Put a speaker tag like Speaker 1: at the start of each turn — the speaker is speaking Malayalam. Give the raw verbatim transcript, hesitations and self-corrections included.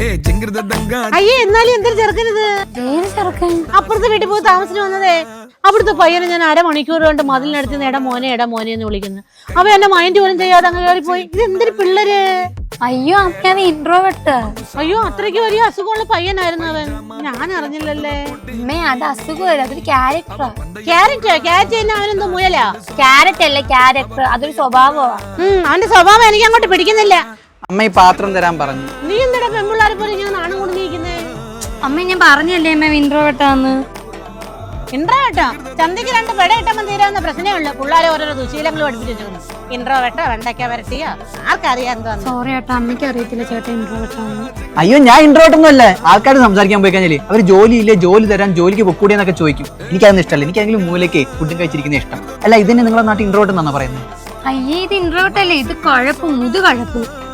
Speaker 1: അയ്യേ എന്നാലും എന്തൊരു ചെറുക്കനിത്? അപ്പുറത്തെ വീട്ടിൽ പോയി താമസിച്ചു വന്നതേ. അവിടുത്തെ പയ്യനെ ഞാൻ അരമണിക്കൂർ കൊണ്ട് മതിലിനടുത്ത് നിന്ന് എടാ മോനെ എടാ മോനെ എന്ന് വിളിക്കുന്നു. അവ എന്നെ മൈൻഡ് പോലും ചെയ്യാതെ അങ്ങ് കയറിപ്പോയി. ഇത് എന്തൊരു പിള്ളേര്!
Speaker 2: അയ്യോ അമ്മ ഇൻട്രോവേർട്ട്.
Speaker 1: അയ്യോ അത്രയ്ക്ക് വലിയ അസുഖമുള്ള പയ്യനായിരുന്നു അവൻ. ഞാൻ അറിഞ്ഞില്ലല്ലേ.
Speaker 2: അമ്മേ അത് അസുഖമല്ല, അതൊരു ക്യാരക്ടറാ.
Speaker 1: ക്യാരറ്റ് ക്യാരറ്റ് തന്നെ അവനെന്തോ മുയലാ?
Speaker 2: ക്യാരറ്റ് അല്ല ക്യാരക്ടർ, അതൊരു സ്വഭാവമാ.
Speaker 1: ഉം അവന്റെ സ്വഭാവം എനിക്ക് അങ്ങോട്ട് പിടിക്കുന്നില്ല.
Speaker 3: അമ്മ ഈ പാത്രം തരാൻ പറഞ്ഞു.
Speaker 1: നീ എന്താ പെൺപിള്ളാരെ പോലെ ഇങ്ങനെ നാണം കൊണ്ട് നീക്കുന്നേ?
Speaker 2: അമ്മ ഞാൻ പറഞ്ഞല്ലേ അമ്മ ഇൻട്രോവേർട്ടാന്ന്.
Speaker 1: ഇൻട്രോവേർട്ടോ? ചന്തയ്ക്ക് രണ്ട് പെട ഇട്ടപ്പം തീരാവുന്ന പ്രശ്നമേ ഉള്ളൂ. പിള്ളേരെ ഓരോരോ ദുശീലങ്ങൾ പഠിപ്പിച്ചു. ഇൻട്രോവേർട്ടോ വെണ്ടയ്ക്ക വരട്ടിയോ ആർക്കറിയാം എന്താന്ന്.
Speaker 2: സോറി ഏട്ടാ, അമ്മയ്ക്ക് അറിയത്തില്ല ചേട്ടാ ഇൻട്രോവേർട്ടാന്ന്.
Speaker 3: അയ്യോ ഞാൻ ഇൻട്രോവേർട്ട് ഒന്നും അല്ലേ. ആൾക്കാർ സംസാരിക്കാൻ പോയി കഴിഞ്ഞാല് അവര് ജോലിയില്ലേ ജോലി തരാൻ ജോലിക്ക് പൊക്കൂടി എന്നൊക്കെ ചോദിക്കും. എനിക്കതൊന്നും ഇഷ്ടമല്ല. എനിക്കെങ്കിലും മൂലയ്ക്ക് ഫുഡും കഴിച്ചിരിക്കുന്ന ഇഷ്ടം. അല്ല ഇതിന് നിങ്ങളെ നാട്ടിൽ ഇൻട്രോവേർട്ട് എന്നാണ് പറയുന്നത്?
Speaker 2: അയ്യേ ഇത് ഇൻട്രോവേർട്ട് അല്ലേ, ഇത് കഴപ്പും ഇത് കഴപ്പും.